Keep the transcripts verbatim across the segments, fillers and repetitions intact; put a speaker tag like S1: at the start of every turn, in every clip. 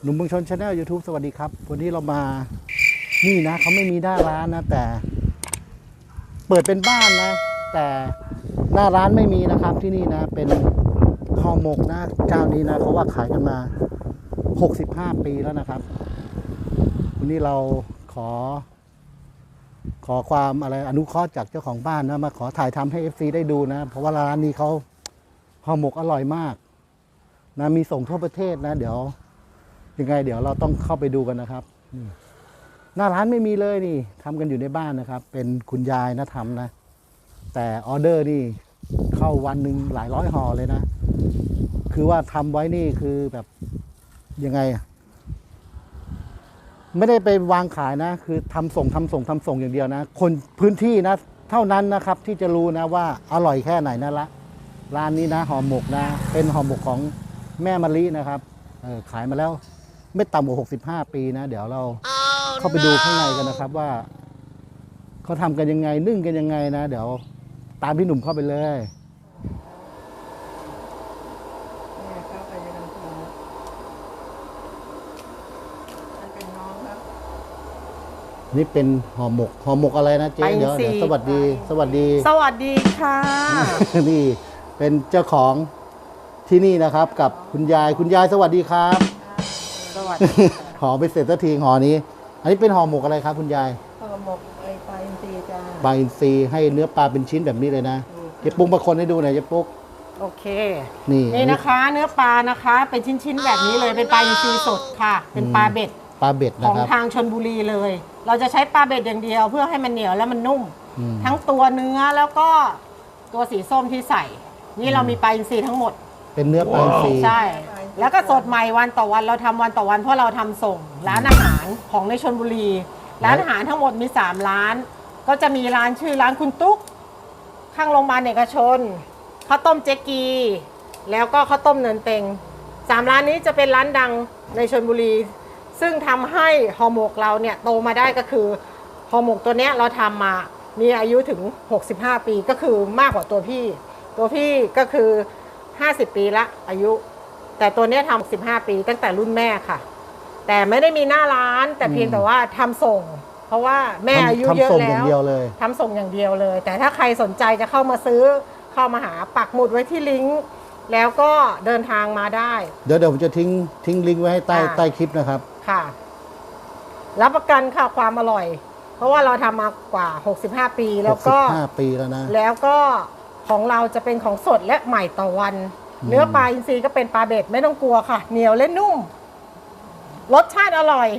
S1: หนุ่มเมืองชนชาแนล ยูทูบ สวัสดีครับวันนี้เรามานี่นะเขาไม่มีหน้าร้านนะแต่เปิดเป็นบ้านนะแต่หน้าร้านไม่มีนะครับที่นี่นะเป็นห่อหมกนะเจ้านี้นะเขาว่าขายกันมาหกสิบห้าปีแล้วนะครับวันนี้เราขอขอความอะไรอนุเคราะห์จากเจ้าของบ้านนะมาขอถ่ายทำให้ เอฟ ซี ได้ดูนะเพราะว่าร้านนี้เขาห่อหมกอร่อยมากนะมีส่งทั่วประเทศนะเดี๋ยวยังไงเดี๋ยวเราต้องเข้าไปดูกันนะครับหน้าร้านไม่มีเลยนี่ทำกันอยู่ในบ้านนะครับเป็นคุณยายนะทำนะแต่ออเดอร์นี่เข้าวันหนึ่งหลายร้อยห่อเลยนะคือว่าทำไว้นี่คือแบบยังไงไม่ได้ไปวางขายนะคือทำส่งทำส่งทำส่งอย่างเดียวนะคนพื้นที่นะเท่านั้นนะครับที่จะรู้นะว่าอร่อยแค่ไหนนะละร้านนี้นะห่อหมกนะเป็นห่อหมกของแม่มะลินะครับเออขายมาแล้วไม่ต่ำกว่าหกสิบห้าปีนะเดี๋ยวเรา oh, เข้าไปดูข้างในกันนะครับว่าเขาทำกันยังไงนึ่งกันยังไงนะเดี๋ยวตามพี่หนุ่มเข้าไปเลยนี่เป็นห่อหมกห่อหมกอะไรนะเจ๊เดี๋ยวเดี๋ยวสวัสดีสวัสดี
S2: สวัสดีค่ะ
S1: นี่เป็นเจ้าของที่นี่นะครับกับคุณยายคุณยายสวัสดีครับ
S2: สวัสดี
S1: ห่อไปเสร็จสักทีห่อนี้อันนี้เป็นห่อหมกอะไรครับคุณยาย
S2: ห่อหมกไอปลาอินทรีจ้า
S1: ปลาอินทรีให้เนื้อปลาเป็นชิ้นแบบนี้เลยนะเจ๊ปุ๊กมาคนให้ดูหน่อยเจ๊ปุ๊ก
S2: โอเค
S1: นี่
S2: นี่นะคะเนื้อปลานะคะเป็นชิ้นๆแบบนี้เลยเป็นปลาอินทรีสดค่ะเป็นปลาเบ็ด
S1: ปลาเบ็ด
S2: ของทางชลบุรีเลยเราจะใช้ปลาเบ็ดอย่างเดียวเพื่อให้มันเหนียวและมันนุ่มทั้งตัวเนื้อแล้วก็ตัวสีส้มที่ใส่นี่เรามีปลาอินทรีทั้งหมด
S1: เป็นเนื้อปลาอินทรี
S2: ใช่แล้วก็สดใหม่วันต่อวันเราทำวันต่อวันเพราะเราทำส่งร้านอาหารของในชลบุรีร้านอาหารทั้งหมดมีสามร้านก็จะมีร้านชื่อร้านคุณตุ๊กข้างโรงพยาบาลเอกชนข้าวต้มเจ๊กีแล้วก็ข้าวต้มเนินเต็งสามร้านนี้จะเป็นร้านดังในชลบุรีซึ่งทำให้ห่อหมกเราเนี่ยโตมาได้ก็คือห่อหมกตัวเนี้ยเราทำมามีอายุถึงหกสิบห้าปีก็คือมากกว่าตัวพี่ตัวพี่ก็คือห้าสิบปีละอายุแต่ตัวเนี้ยทำสิบห้าปีตั้งแต่รุ่นแม่ค่ะแต่ไม่ได้มีหน้าร้านแต่เพียงแต่ว่าทำส่งเพราะว่าแม่อายุเยอะแล้วทำส่งอย่างเดียวเลยแต่ถ้าใครสนใจจะเข้ามาซื้อเข้ามาหาปักหมุดไว้ที่ลิงก์แล้วก็เดินทางมาได้
S1: เดี๋ยวเดี๋ยวผมจะทิ้งทิ้งลิงก์ไว้ให้ใต้ใต้คลิปนะครับ
S2: ค่ะรับประกันค่ะความอร่อยเพราะว่าเราทำมากว่าหกสิบห้าปีแล้วก็
S1: หกสิบห้าปีแล้วนะ
S2: แล้วก็ของเราจะเป็นของสดและใหม่ต่อวันเนื้อปลาอินทรีก็เป็นปลาเบ็ดไม่ต้องกลัวค่ะเหนียวและนุ่มรสชาติอร่อย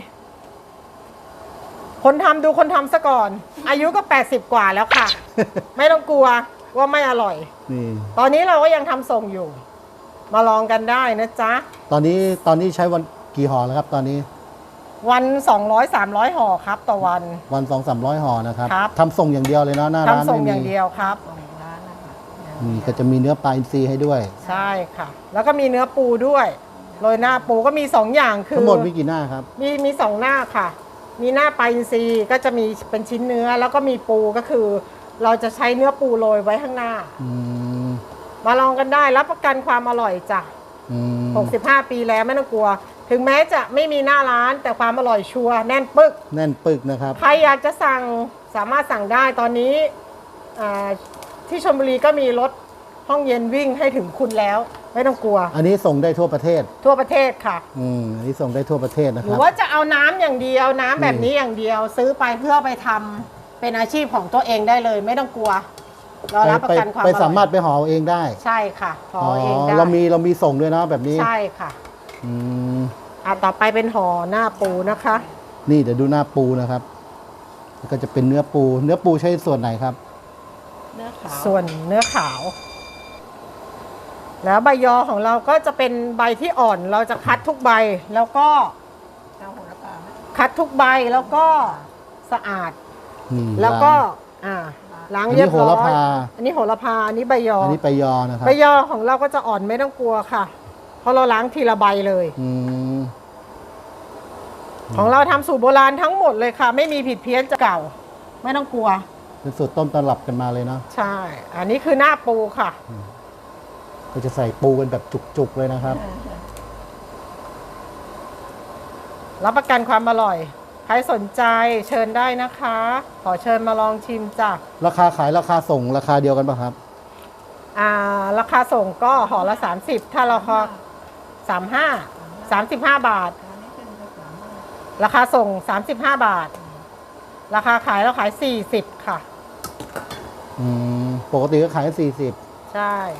S2: คนทำดูคนทำซะก่อนอายุก็แปดสิบกว่าแล้วค่ะ ไม่ต้องกลัวว่าไม่อร่อยตอนนี้เราก็ยังทำส่งอยู่มาลองกันได้นะจ๊ะ
S1: ตอนนี้ตอนนี้ใช้วันกี่ห่อแล้วครับตอนนี้
S2: วันสองร้อย สามร้อยห่อครับต่อวัน
S1: วัน สองถึงสามร้อย ห่อนะครับทำส่งอย่างเดียวเลยเนาะหน้าร้าน
S2: ทำส่งอย่างเดียวครับ
S1: นี่ก็จะมีเนื้อปลาอินทรีให้ด้วย
S2: ใช่ค่ะแล้วก็มีเนื้อปูด้วยโรยหน้าปูก็มีสองอย่างคือ
S1: ทั้งหมดมีกี่หน้าครับ
S2: มีมีสองหน้าค่ะมีหน้าปลาอินทรีก็จะมีเป็นชิ้นเนื้อแล้วก็มีปูก็คือเราจะใช้เนื้อปูโรยไว้ข้างหน้ามาลองกันได้รับประกันความอร่อยจ้ะหกสิบห้าปีแล้วไม่ต้องกลัวถึงแม้จะไม่มีหน้าร้านแต่ความอร่อยชัวร์แน่นปึก
S1: แน่นปึกนะครับ
S2: ใครอยากจะสั่งสามารถสั่งได้ตอนนี้ที่ชลบุรีก็มีรถห้องเย็นวิ่งให้ถึงคุณแล้วไม่ต้องกลัว
S1: อันนี้ส่งได้ทั่วประเทศ
S2: ทั่วประเทศค่ะ
S1: อืมอันนี้ส่งได้ทั่วประเทศนะครับ
S2: หรือว่าจะเอาน้ำอย่างเดียวน้ำแบบนี้อย่างเดียวซื้อไปเพื่อไปทำเป็นอาชีพของตัวเองได้เลยไม่ต้องกลัวเรารับประกันความอร่อย
S1: ไปสามารถไปห่อเองได้
S2: ใช่ค่ะห่อเองได้
S1: เรามีเรามีส่งด้วยนะแบบนี้
S2: ใช่ค่ะอืมอ่ะต่อไปเป็นห่อหน้าปูนะคะ
S1: นี่เดี๋ยวดูหน้าปูนะครับก็จะเป็นเนื้อปูเนื้อปูใช้ส่วนไหนครับ
S2: เนื้อขาวส่วนเนื้อขาวแล้วใบยอของเราก็จะเป็นใบที่อ่อนเราจะคัดทุกใบแล้วก็คัดทุกใบแล้วก็สะอาดแล้วก็อ่าล้างเรียบร้อยอันนี้โหระพาอันนี้ใบยอ
S1: อันนี้ใบยอนะครับ
S2: ใบยอของเราก็จะอ่อนไม่ต้องกลัวค่ะเพราะเราล้างทีละใบเลยของเราทำสูตรโบราณทั้งหมดเลยค่ะไม่มีผิดเพี้ยนจากเก่าไม่ต้องกลัว
S1: เป็นสูตรต้มตำรับกันมาเลยเนาะ
S2: ใช่อันนี้คือหน้าปูค่ะ
S1: ก็จะใส่ปูกันแบบจุกๆเลยนะครับ
S2: รับประกันความอร่อย ใครสนใจเชิญได้นะคะ ขอเชิญมาลองชิมจ้ะ
S1: ราคาขายราคาส่งราคาเดียวกันป่ะครับ
S2: อ่าราคาส่งก็ห่อละสามสิบถ้าเราคอสามห้าสามสิบห้าบาท ราคาส่งสามสิบห้าบาท ราคาขายเราขายสี่สิบค่ะ
S1: อืมปกติก็ขายสี่สิบ
S2: ใช่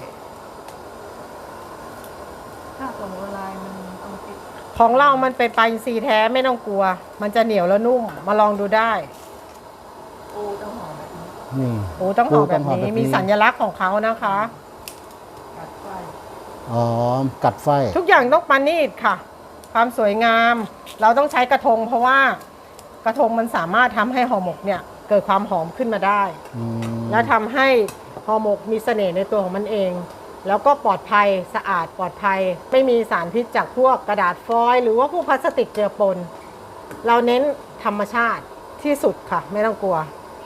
S3: ถ้าส่งออนไลน์มันต้องติด
S2: ของเรามันเป็นปลาอินทรีแท้ไม่ต้องกลัว มันจะเหนียวแล้วนุ่ม มาลองดูได้
S3: ปูต้องห่อแบบนี้
S1: นี่
S2: โอ้ต้องห่อแบบ
S1: โอ้ต้องห่อ
S2: นี้
S1: แบบนี้
S2: มีสัญลักษณ์ของเขานะคะ
S3: กัดไฟ
S1: อ๋อ กัดไฟ
S2: ทุกอย่างต้องปานีตค่ะ ความสวยงาม เราต้องใช้กระทง เพราะว่ากระทงมันสามารถทำให้ห่อหมกเนี่ยเกิดความหอมขึ้นมาได้
S1: อืม
S2: และทำให้ห่อหมกมีเสน่ห์ในตัวของมันเอง แล้วก็ปลอดภัยสะอาดปลอดภัย ไม่มีสารพิษจากพวกกระดาษฟอยล์หรือว่าพวกพลาสติกเจือปน เราเน้นธรรมชาติที่สุดค่ะ ไม่ต้องกลัว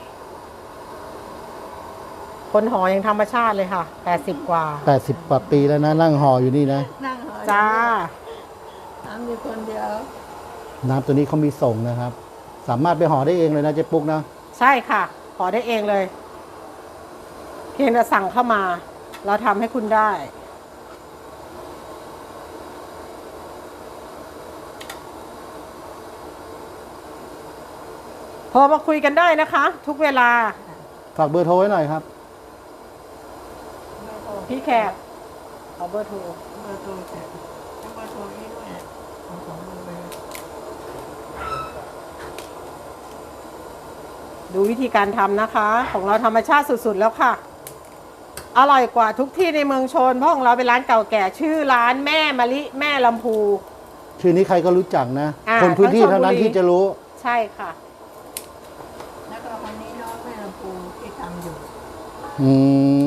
S2: คนห่อยังธรรมชาติเลยค่ะแปดสิบกว่า
S1: แปดสิบกว่าปีแล้วนะ นั่งห่ออยู่นี่นะ
S3: นั่งห่อ
S2: จ้า
S3: ทำอยู่คนเดียว
S1: น้ำตัวนี้เขามีส่งนะครับ สามารถไปห่อได้เองเลยนะเจ๊ปุ๊กนะ
S2: ใช่ค่ะห่อได้เองเลย เพียงแต่สั่งเข้ามา เราทำให้คุณได้ โทรมาคุยกันได้นะคะ ทุกเวลา
S1: ฝากเบอร์โทรไว้หน่อยครับ
S3: ไม่โทร
S2: พี่แขกขอเบอร์โทร
S3: เบอร์โทรแต่ต้องเบอร์โทรนี้ด้วยเอาของมือไป
S2: ดูวิธีการทำนะคะ ของเราธรรมชาติสุดๆแล้วค่ะ อร่อยกว่าทุกที่ในเมืองชน เพราะของเราเป็นร้านเก่าแก่ ชื่อร้านแม่มะลิแม่ลำพู
S1: ชื่อนี้ใครก็รู้จักนะ
S2: อ่า
S1: คนพื้นที่
S2: ทั้งชล
S1: เท่านั้น
S2: บุรี
S1: ที่จะรู้
S2: ใช่ค่ะ
S3: แล้วก็คนนี้น้องแม่ลำพูที่ทำอยู่
S1: อืม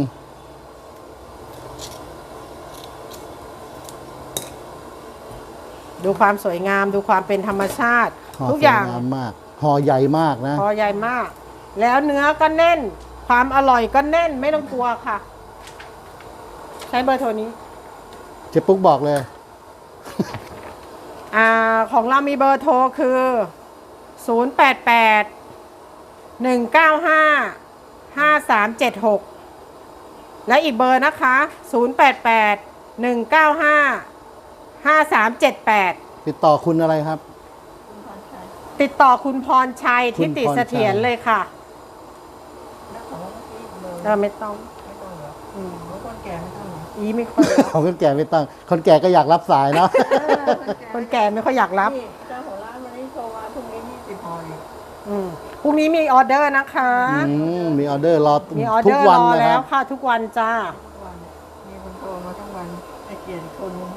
S2: ดูความสวยงามดูความเป็นธรรมชาติ
S1: ห่อ
S2: ทุก
S1: ส
S2: อ
S1: วย
S2: ย่าง
S1: งามมาก ห่อใหญ่มากนะ
S2: พอใหญ่มาก แล้วเนื้อก็แน่น ความอร่อยก็แน่นไม่ต้องกลัวค่ะ ใช้เบอร์โทรนี้
S1: เจ๊ปุ๊กบอกเลย
S2: อ่าของเรามีเบอร์โทรคือ ศูนย์ แปด แปด หนึ่ง เก้า ห้า ห้า สาม เจ็ด หก และอีกเบอร์นะคะ ศูนย์ แปด แปด หนึ่ง เก้า ห้า ห้า สาม เจ็ด แปด
S1: ติดต่อคุณอะไรครับ
S3: คุณพรชัย
S2: ติดต่อคุณพรชัย
S1: คุ
S2: ทิ
S1: ณ
S2: ติ
S1: พรชัย
S2: เสถียรเลยค่ะ
S3: แล้วของเมื่อกี้เบอร์
S2: เออไม่ต้อง
S3: ไม่ต้องเหรอ
S2: อืม
S3: ของคนแก่ไม่ต้องเหรอ
S2: อีไม่ค่อยรับ
S1: ของคนแก่ไม่ต้อง คนแก่ก็อยากรับสายเนาะ
S2: คนแก่ไม่ค่อยอยากรับ
S3: นี่เจ้าของร้านวันนี้โทรมาพรุ่งนี้ยี่สิบห่ออีก
S2: อืมพรุ่งนี้มีออเดอร์นะคะ
S1: อืมมีออเดอร์รอ
S2: มีออ
S1: ทุ
S2: เด
S1: ก
S2: อร์
S1: วัน
S2: รอ
S1: นะค
S2: แล้
S1: รั
S2: ว
S1: บ
S2: ค่ะทุกวันจ้า
S3: ทุกวันมีคนโทรมาทั้งวันไอ้เกียรติคนนึง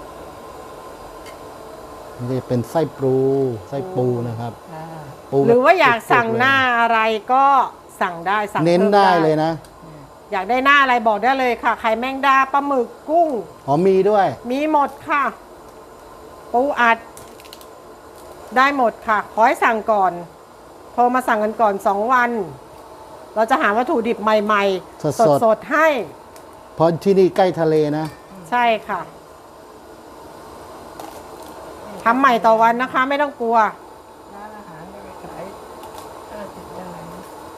S1: นี่เป็นไส้ปูไส้ปูนะครับ
S3: อ่า
S1: ปู
S2: หรือว่าอยากสั่ง
S1: สุดๆ
S2: หน้าอะไรก็สั่งได้สั่ง
S1: เน้น
S2: พิ่ม
S1: ได้เลยนะ
S2: อยากได้หน้าอะไรบอกได้เลยค่ะไข่แมงดาปลาหมึกกุ้ง
S1: อ๋อมีด้วย
S2: มีหมดค่ะ ปูอัด ได้หมดค่ะ ขอให้สั่งก่อน โทรมาสั่งกันก่อนสองวัน เราจะหาวัตถุดิบใหม่
S1: ส
S2: ๆ
S1: ดๆ
S2: สดๆให้
S1: เพราะที่นี่ใกล้ทะเลนะ
S2: ใช่ค่ะทำใหม่ต่อวันนะคะ ไม่ต้องกลัว
S3: ร้านอาหารไม่ไปขายห้าสิบได้นะ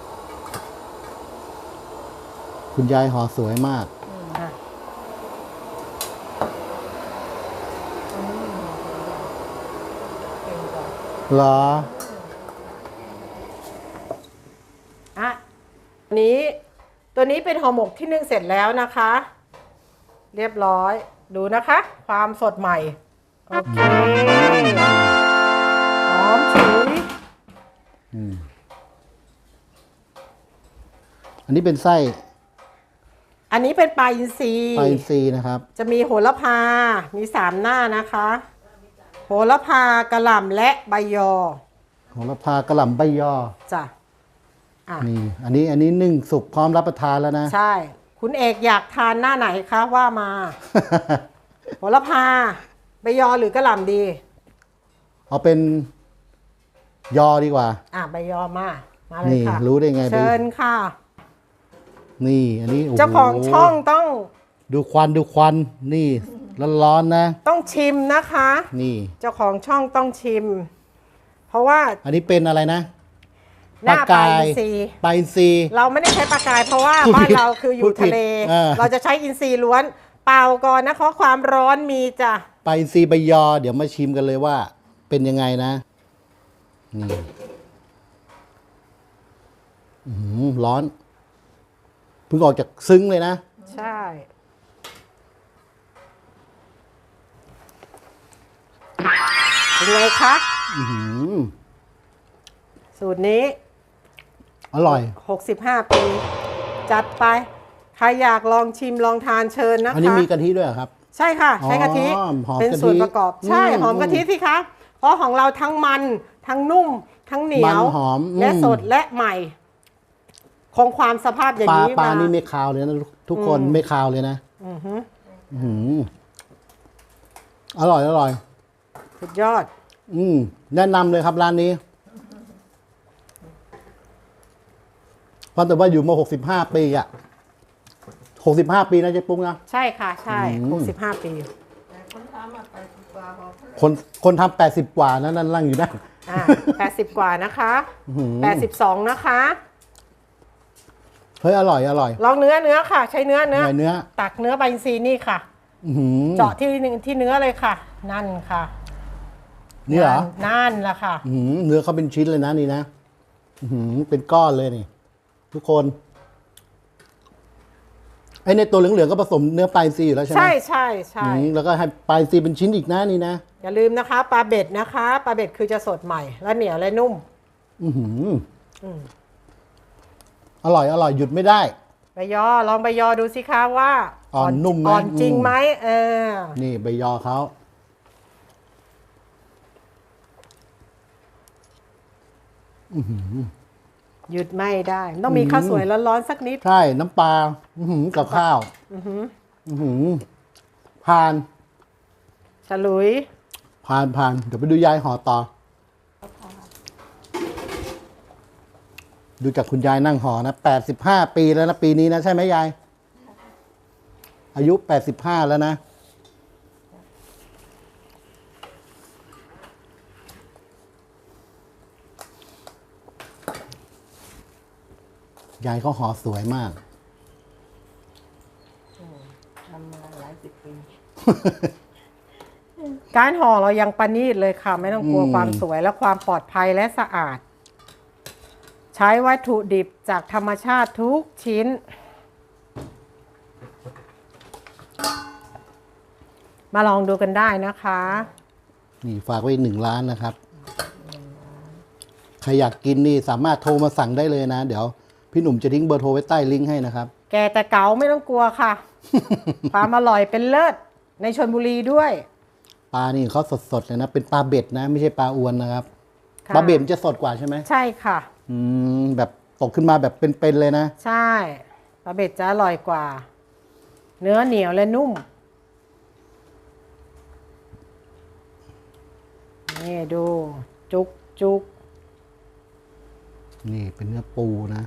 S1: คุณยายห่อสวยมาก
S3: อืม
S2: อ่ะ
S3: อันนี้มีห่อตัวใหญ่เก่งกว่า
S1: เหรอ
S2: อ่ะอันนี้ตัวนี้เป็นห่อหมกที่นึ่งเสร็จแล้วนะคะ เรียบร้อยดูนะคะ ความสดใหม่ โอเคหอมฉุย
S1: อืมอันนี้เป็นไส้
S2: อันนี้เป็นปลาอินทรี
S1: ปลาอินทรีย์นะครับ
S2: จะมีโหระพา มีสามหน้านะคะ โหระพากระหล่ำและใบยอ
S1: โหระพากระหล่ำใบยอ
S2: จ้ะอ่ะ
S1: นี่ อันนี้อันนี้นึ่งสุกพร้อมรับประทานแล้วนะ
S2: ใช่ คุณเอกอยากทานหน้าไหนคะว่ามา โหระพาใบยอหรือกระหล่ำดี
S1: เอาเป็นยอดีกว่า
S2: อ่ะใบยอมา มาเลย
S1: นี่
S2: ค่ะ
S1: รู้ได้ไง
S2: เชิญค่ะ
S1: นี่ อันนี้โโห
S2: เจ้าของช่องต้อง
S1: ดูควันดูควันนี่ร้อนๆนะ
S2: ต้องชิมนะคะ
S1: นี่
S2: เจ้าของช่องต้องชิม เพราะว่า
S1: อันนี้เป็นอะไรนะ
S2: หน้าปลาอินทรี
S1: ปลาอินทรี
S2: เราไม่ได้ใช้ปลากาย เพราะว่า
S1: พูด
S2: บ้า
S1: ผิ
S2: น
S1: ด
S2: เราคืออ
S1: พู
S2: ยู่
S1: ดผิด
S2: ทะเล
S1: เออ
S2: เราจะใช้อินทรีล้วน เปล่าก่อนนะคะความร้อนมีจ้ะ
S1: ปลาอินทรีใบยอ เดี๋ยวมาชิมกันเลยว่า เป็นยังไงนะนี่อื้อหือร้อนเพิ่งออกจากซึ้งเลยนะ
S2: ใช่เป็นไงคะ
S1: อื้อหือ
S2: สูตรนี้
S1: อร่อย
S2: หกสิบห้า ปี จัดไป ใครอยากลองชิมลองทานเชิญนะคะ
S1: อันนี้มีกะทิด้วยเหรอครับ
S2: ใช่ค่ะ ใช้กะทิ
S1: อ๋อหอม
S2: เป็น
S1: กะทิ
S2: ส่วนประกอบ ใช่
S1: อืม
S2: หอมกะทิสิคะ เพราะของเราทั้งมัน ทั้งนุ่ม ทั้งเหนียว
S1: มันหอมอืม
S2: และสดและใหม่ คงความสภาพอย่าง
S1: ปลา
S2: นี้
S1: ปลา
S2: มา
S1: นี่ไม่คาวเลยนะทุกคนไม่คาวเลยนะ
S2: อือฮึ
S1: อื้อหืออร่อยอร่อย
S2: สุดยอด
S1: อืมแนะนำเลยครับร้านนี้เพราะแต่ว่าอยู่มาหกสิบห้าปีอะหกสิบห้าปีนะเจ๊ปุ้งนะ
S2: ใช่ค่ะ ใช่
S1: อืม
S2: หกสิบห้า ปี
S3: แต่คนทำอ่ะไปสิบกว่าบอก
S1: คนคนทำแปดสิบกว่านะนั่นนั่งอยู่นั่น
S2: อ่าแปดสิบกว่านะคะ
S1: อื้อหือ
S2: แปดสิบสองนะคะ
S1: เฮ้ยอร่อยอร่อย
S2: ลองเนื้อเนื้อค่ะ ใช้เนื้อเนื้อ
S1: เนื้อ
S2: ตักเนื้อใบอินทรีย์นี่ค่ะ
S1: อื้อหือ
S2: เจาะที่หนึ่งที่เนื้อเลยค่ะ นั่นค่ะ
S1: นี่เหรอ
S2: นั่นแหละค่ะ
S1: อื้อหือเนื้อเขาเป็นชิ้นเลยนะนี่นะอื้อหือเป็นก้อนเลยนี่ ทุกคนไอ้ในตัวเหลืองๆก็ผสมเนื้อปลาอินทรีย์อยู่แล้วใช่ไหม
S2: ใช่ใช่ใช่
S1: อืมแล้วก็ให้ปลาอินทรีย์เป็นชิ้นอีกนะนี่นะ
S2: อย่าลืมนะคะปลาเบ็ดนะคะปลาเบ็ดคือจะสดใหม่และเหนียวและนุ่ม
S1: อือหืออ
S2: ม
S1: อร่อยอร่อยหยุดไม่ได้
S2: ใบยอลองใบยอดูสิคะว่า
S1: อ่อนนุ่มไหม
S2: อ่อนจริง
S1: อืม
S2: ไหมเออ
S1: นี่ใบยอเขาอื้อหือ
S2: หยุดไม่ได้ ต้องมีข้าวสวยร้อนๆสักนิด
S1: ใช่น้ำปลาอื้อหือกับข้าว
S2: อือหือ
S1: อื้อหือผ่าน
S2: ฉลุย
S1: ผ่านผ่านเดี๋ยวไปดูยายห่อต่อ ดูจากคุณยายนั่งห่อนะแปดสิบห้าปีแล้วนะปีนี้นะใช่ไหมยาย อายุแปดสิบห้าแล้วนะ ยายเขาห่อสวยมาก
S3: ทำมาหลายสิบปี
S2: การห่อเรายังประณีตเลยค่ะ ไม่ต้องกลัว
S1: อืม
S2: ความสวยและความปลอดภัยและสะอาด ใช้วัตถุดิบจากธรรมชาติทุกชิ้น มาลองดูกันได้นะคะ
S1: นี่ฝากไว้หนึ่งร้านนะครับ ใครอยากกินนี่สามารถโทรมาสั่งได้เลยนะ เดี๋ยวพี่หนุ่มจะทิ้งเบอร์โทรไว้ใต้ลิงก์ให้นะครับ
S2: แกแต่เก๋าไม่ต้องกลัวค่ะ ความอร่อยเป็นเลิศในชลบุรีด้วย
S1: ปลานี่เขาสดๆเลยนะ เป็นปลาเบ็ดนะ ไม่ใช่ปลาอวนนะครับ
S2: ค่ะ
S1: ปลาเบ็ดมันจะสดกว่าใช่ไหม
S2: ใช่ค่ะ
S1: อืมแบบตกขึ้นมาแบบเป็นๆเลยนะ
S2: ใช่ปลาเบ็ดจะอร่อยกว่า เนื้อเหนียวและนุ่ม นี่ดู จุกจุก
S1: นี่เป็นเนื้อปูนะ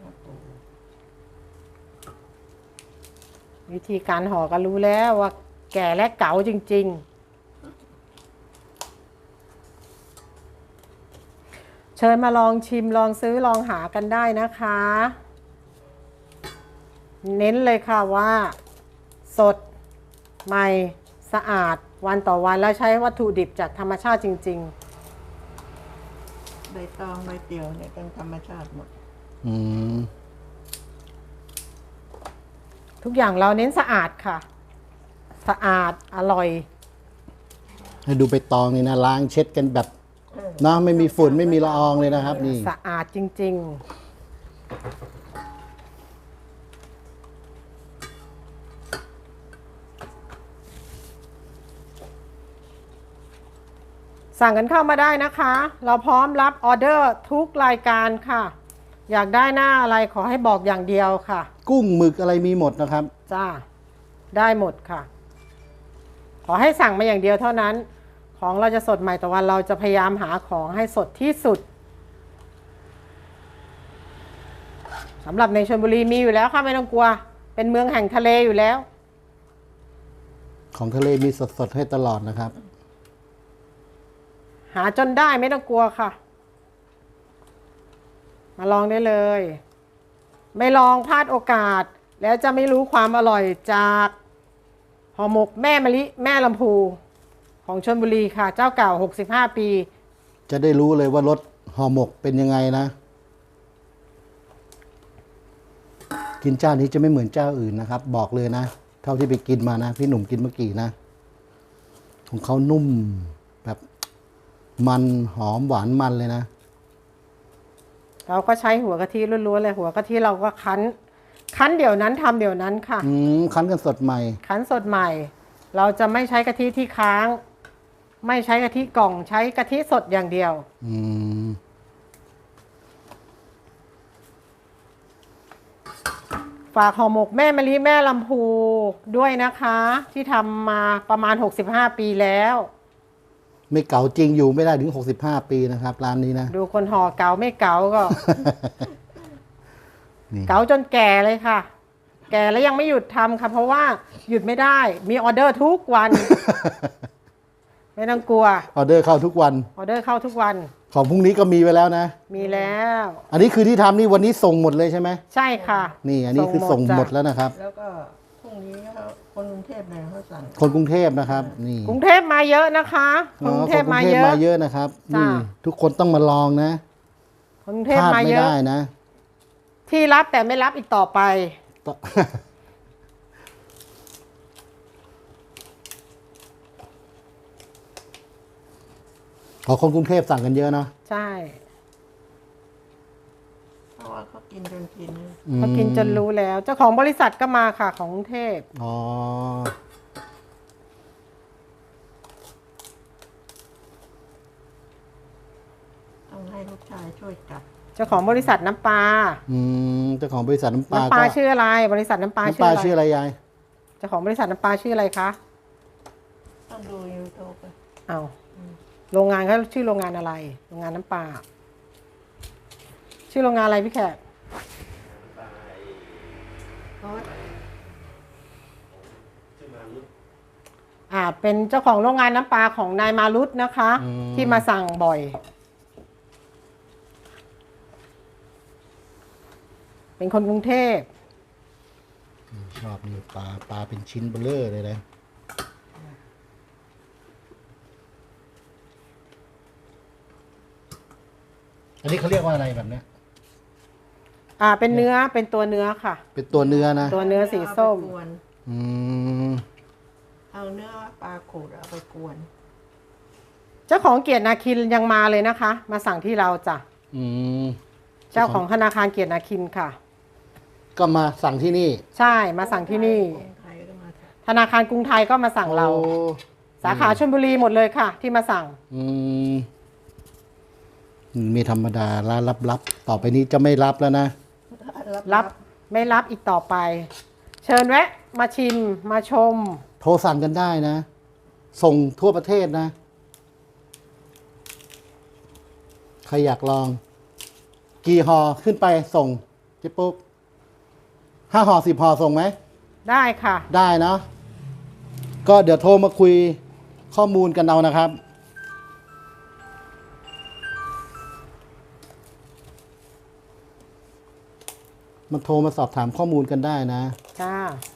S2: วิธีการห่อก็รู้แล้วว่าแก่และเก๋าจริง ๆ เชิญมาลองชิมลองซื้อลองหากันได้นะคะ เน้นเลยค่ะว่า สด ใหม่ สะอาดวันต่อวันแล้วใช้วัตถุดิบจากธรรมชาติจริง
S3: ใบตองใบเตียวเนี่ยเป็นธรรมชาติหมด
S1: อืม
S2: ๆ ทุกอย่างเราเน้นสะอาดค่ะ สะอาดอร่อย
S1: ให้ดูใบตองนี่นะล้างเช็ดกันแบบเนาะไม่มีฝุ่นไม่มีละอองเลยนะครับ นี่
S2: สะอาดจริง ๆ สั่งกันเข้ามาได้นะคะ เราพร้อมรับออเดอร์ทุกรายการค่ะ อยากได้หน้าอะไรขอให้บอกอย่างเดียวค่ะ
S1: กุ้งหมึกอะไรมีหมดนะครับ
S2: จ้า ได้หมดค่ะ ขอให้สั่งมาอย่างเดียวเท่านั้น ของเราจะสดใหม่ต่อวันเราจะพยายามหาของให้สดที่สุดสำหรับในชลบุรีมีอยู่แล้วค่ะไม่ต้องกลัว เป็นเมืองแห่งทะเลอยู่แล้ว
S1: ของทะเลมีสดๆให้ตลอดนะครับ
S2: หาจนได้ไม่ต้องกลัวค่ะ มาลองได้เลย ไม่ลองพลาดโอกาส แล้วจะไม่รู้ความอร่อยจากห่อหมกแม่มะลิแม่ลำพูของชลบุรีค่ะ เจ้าเก่าหกสิบห้าปี
S1: จะได้รู้เลยว่ารสห่อหมกเป็นยังไงนะ กินเจ้านี้จะไม่เหมือนเจ้าอื่นนะครับ บอกเลยนะ เท่าที่ไปกินมานะ พี่หนุ่มกินเมื่อกี้นะ ของเขานุ่มแบบมันหอมหวานมันเลยนะ
S2: เราก็ใช้หัวกะทิล้วนๆเลยหัวกะทิเราก็คั้น คั้นเดี๋ยวนั้นทำเดี๋ยวนั้นค่ะ
S1: อืมคั้นกันสดใหม่
S2: คั้นสดใหม่ เราจะไม่ใช้กะทิที่ค้าง ไม่ใช้กะทิกล่องใช้กะทิสดอย่างเดียว
S1: อืม
S2: ฝากห่อหมกแม่มะลิแม่ลำพูด้วยนะคะ ที่ทำมาประมาณหกสิบห้าปีแล้ว
S1: ไม่เก่าจริงอยู่ไม่ได้ถึงหกสิบห้าปีนะครับ ร้านนี้นะ
S2: ดูคนห่อเก๋าไม่เก๋าก็
S1: นี่
S2: เก๋าจนแก่เลยค่ะ แก่แล้วยังไม่หยุดทำค่ะ เพราะว่าหยุดไม่ได้ มีออเดอร์ทุกวัน ไม่ต้องกลัว
S1: ออเดอร์เข้าทุกวัน
S2: ออเดอร์เข้าทุกวัน
S1: ของพรุ่งนี้ก็มีไว้แล้วนะ
S2: มีแล้ว
S1: อันนี้คือที่ทำนี่วันนี้ส่งหมดเลยใช่ไหม
S2: ใช่ค่ะ
S1: นี่ อันนี้คือส่งหมด
S2: จ้ะ
S1: แล้วนะครับ
S3: แล้วก็พรุ่งนี้เขาคนกรุงเทพเนี่ยเขาสั่ง
S1: คนกรุงเทพนะครับ นี่
S2: กรุงเทพมาเยอะนะคะคนกรุงเทพมาเยอะ
S1: มาเยอะนะครับ
S2: จ้ะ
S1: นี่ทุกคนต้องมาลองนะ
S2: คนกรุงเท
S1: พ
S2: พ
S1: ลาด
S2: มา
S1: ไม่
S2: เยอะ
S1: ได้นะ
S2: ที่รับแต่ไม่รับอีกต่อไป
S1: ต่อ ขอคนกรุงเทพสั่งกันเยอะเนาะ
S2: ใช่
S3: เพราะว่าเขากินจนกิน
S1: อืม
S2: เขากินจนรู้แล้ว เจ้าของบริษัทก็มาค่ะของกรุงเทพ
S1: อ๋อ
S3: ต้องให้ลูกชายช่วยจับ
S2: เจ้าของบริษัทน้ำปลา
S1: อืมเจ้าของบริษัทน้ำปลา
S2: น้ำปลา
S1: ก็
S2: ชื่ออะไร บริษัทน้ำปลา
S1: น้ำ
S2: ชื่
S1: ป
S2: อ
S1: ลา
S2: อะไร
S1: ชื่ออะไรยาย
S2: เจ้าของบริษัทน้ำปลาชื่ออะไรคะ
S3: ต้องดูยูทูบ
S2: เอาโรงงานเขาชื่อโรงงานอะไร โรงงานน้ำปลา ชื่อโรงงานอะไรพี่แขกอ่า เป็นเจ้าของโรงงานน้ำปลาของนายมารุตนะคะ
S1: อืม
S2: ที่มาสั่งบ่อย เป็นคนกรุงเทพ
S1: ชอบนี่ปลาปลาเป็นชิ้นเบลอเลยนะ อันนี้เขาเรียกว่าอะไรแบบเนี้ย
S2: อ่า เป็นเนื้อ เป็นตัวเนื้อค่ะ
S1: เป็นตัวเนื้อนะ
S2: ตัวเนื้อสีส้ม
S3: เอาไปกวน
S1: อืม
S3: เอาเนื้อปลาขูดเอาไปกวน
S2: เจ้าของเกียรตินาคินยังมาเลยนะคะ มาสั่งที่เราจ้ะ
S1: อืม
S2: เจ้าของธนาคารเกียรตินาคินค่ะ
S1: ก็มาสั่งที่นี่
S2: ใช่ มาสั่งที่นี่
S3: คนไทยก็มาท
S2: ธนาคารกรุงไทยก็มาสั่งเรา
S1: โอ้
S2: สาขาชลบุรีหมดเลยค่ะ ที่มาสั่ง
S1: อืมมีธรรมดาร้านลับๆ ต่อไปนี้จะไม่รับแล้วนะ
S3: ำ
S2: รับไม่รับอีกต่อไป เชิญแวะ มาชิมมาชม
S1: โทรสั่งกันได้นะ ส่งทั่วประเทศนะ ใครอยากลอง กี่ห่อขึ้นไปส่งเจ๊ปุ๊กห้าห่อสิบห่อส่งไหม
S2: ได้ค่ะ
S1: ได้เนาะก็เดี๋ยวโทรมาคุยข้อมูลกันเอานะครับ มันโทรมาสอบถามข้อมูลกันได้นะ
S2: จ้า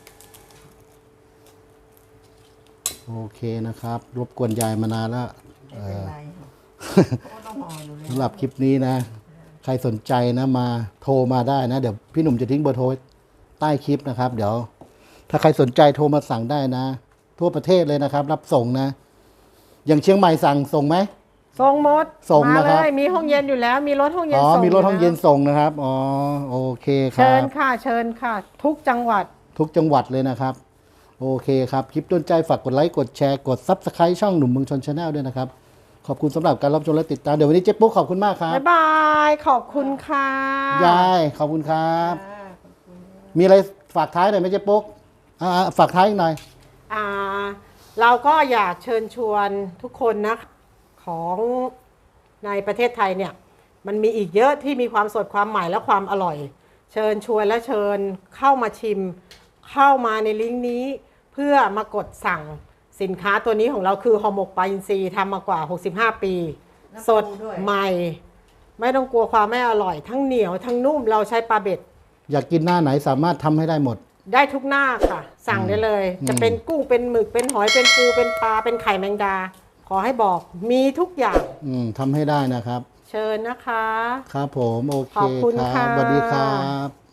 S1: โอเคนะครับ รบกวนยายมานานแล้ว
S3: ไม่เป็นไรค่ะเพราะว่าต้องห่ออยู่แล้ว
S1: สำหรับคลิปนี้นะ ใครสนใจนะมาโทรมาได้นะ เดี๋ยวพี่หนุ่มจะทิ้งเบอร์โทรไว้ใต้คลิปนะครับ เดี๋ยว ถ้าใครสนใจโทรมาสั่งได้นะ ทั่วประเทศเลยนะครับ รับส่งนะ อย่างเชียงใหม่สั่งส่งไหม
S2: ส่งหมด
S1: ส่ง
S2: มา
S1: นะครับ
S2: เลย มีห้องเย็นอยู่แล้ว มีรถห้องเย็น
S1: อ๋อ
S2: ส่ง
S1: มีรถห้องเย็น
S2: แล้ว
S1: ส่งนะครับ อ๋อ โอเคค
S2: เชิ
S1: รั
S2: ญ
S1: บ
S2: ค่ะ เชิญค่ะ ทุกจังหวัด
S1: ทุกจังหวัดเลยนะครับ โอเคครับ คลิปต้นใจฝากกดไลค์ กดแชร์ กด ซับสไคร b ์ช่องหนุ่มเมืองชนชาแนลด้วยนะครับ ขอบคุณสำหรับการรับชมและติดตาม เดี๋ยววันนี้เจ๊ปุ๊กขอบคุณมากครับ
S2: บ๊ายบาย ขอบคุณค่ะ
S1: ยาย ขอบคุณครับ
S3: อ่าขอบคุณ
S1: มีอะไรฝากท้ายหน่อยไหมเจ๊ปุ๊กอ่าฝากท้ายอีกหน่อย
S2: อ่า เราก็อยากเชิญชวนทุกคนนะ ของในประเทศไทยเนี่ย มันมีอีกเยอะที่มีความสดความใหม่และความอร่อย เชิญชวนและเชิญเข้ามาชิม เข้ามาในลิงก์นี้เพื่อมากดสั่งสินค้าตัวนี้ของเราคือห่อหมกปลาอินทรีทำมากว่าหกสิบห้าปี
S3: น้ำ
S2: สด
S3: ปูด้วย
S2: ใหม่ ไม่ต้องกลัวความไม่อร่อย ทั้งเหนียวทั้งนุ่มเราใช้ปลาเบ็ด
S1: อยากกินหน้าไหนสามารถทำให้ได้หมด
S2: ได้ทุกหน้าค่ะ สั่งได้เลย
S1: อืม
S2: จะเป็นกุ้งเป็นหมึกเป็นหอยเป็นปูเป็นปลาเป็นไข่แมงดา ขอให้บอกมีทุกอย่าง
S1: อืมทำให้ได้นะครับ
S2: เชิญนะคะ
S1: ครับผมโอเค
S2: ขอบคุณ
S1: ครับ
S2: ค่ะ
S1: สวัสดีครับ